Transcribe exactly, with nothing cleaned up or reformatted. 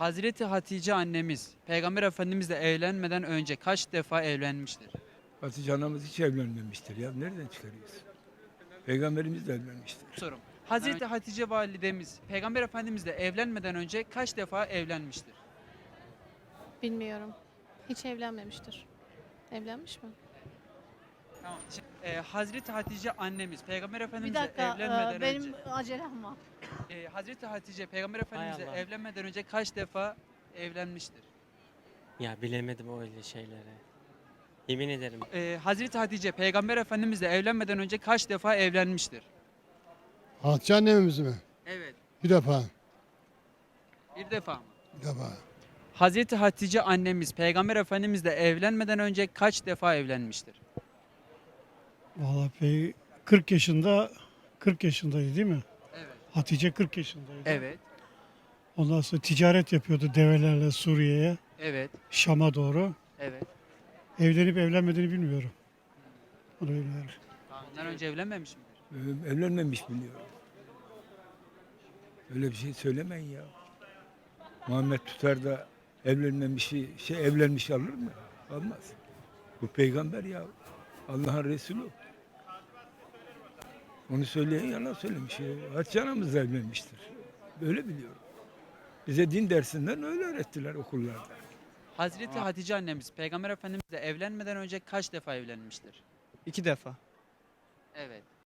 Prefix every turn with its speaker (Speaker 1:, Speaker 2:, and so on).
Speaker 1: Hazreti Hatice annemiz Peygamber Efendimizle evlenmeden önce kaç defa evlenmiştir?
Speaker 2: Hatice anamız hiç evlenmemiştir ya. Nereden çıkarıyorsun? Peygamberimiz de evlenmiştir.
Speaker 1: Sorum. Hazreti Hatice validemiz Peygamber Efendimizle evlenmeden önce kaç defa evlenmiştir?
Speaker 3: Bilmiyorum. Hiç evlenmemiştir. Evlenmiş mi?
Speaker 1: Tamam. Şimdi, e, Hazreti Hatice annemiz Peygamber
Speaker 4: Bir
Speaker 1: Efendimizle
Speaker 4: dakika,
Speaker 1: evlenmeden
Speaker 4: e, benim
Speaker 1: önce
Speaker 4: acelem var.
Speaker 1: e, Hazreti Hatice Peygamber Efendimizle
Speaker 5: Allah.
Speaker 1: evlenmeden önce kaç defa evlenmiştir?
Speaker 5: Ya bilemedim öyle şeyleri. Yemin ederim.
Speaker 1: E, Hazreti Hatice Peygamber Efendimizle evlenmeden önce kaç defa evlenmiştir?
Speaker 6: Hatice annemiz mi?
Speaker 1: Evet.
Speaker 6: Bir defa.
Speaker 1: Bir defa mı?
Speaker 6: Bir defa.
Speaker 1: Hazreti Hatice annemiz Peygamber Efendimizle evlenmeden önce kaç defa evlenmiştir?
Speaker 7: Vallahi pey kırk yaşında kırk yaşındaydı değil mi?
Speaker 1: Evet.
Speaker 7: Hatice kırk yaşındaydı.
Speaker 1: Evet.
Speaker 7: Ondan sonra ticaret yapıyordu develerle Suriye'ye,
Speaker 1: Evet.
Speaker 7: Şam'a doğru.
Speaker 1: Evet.
Speaker 7: Evlenip evlenmediğini bilmiyorum. Onu bilmiyorum.
Speaker 1: Ondan önce evlenmemiş midir?
Speaker 2: Ee, Evlenmemiş biliyorum. Öyle bir şey söylemeyin ya. Muhammed tutar da evlenmemişi, şey evlenmiş alır mı? Almaz. Bu peygamber ya. Allah'ın Resulü. Onu söyleyen yalan söylemiş. ya. Hatice anamız da evlenmiştir. Öyle biliyorum. Bize din dersinden öyle öğrettiler okullarda.
Speaker 1: Hazreti Hatice annemiz Peygamber Efendimizle evlenmeden önce kaç defa evlenmiştir?
Speaker 8: İki defa.
Speaker 1: Evet.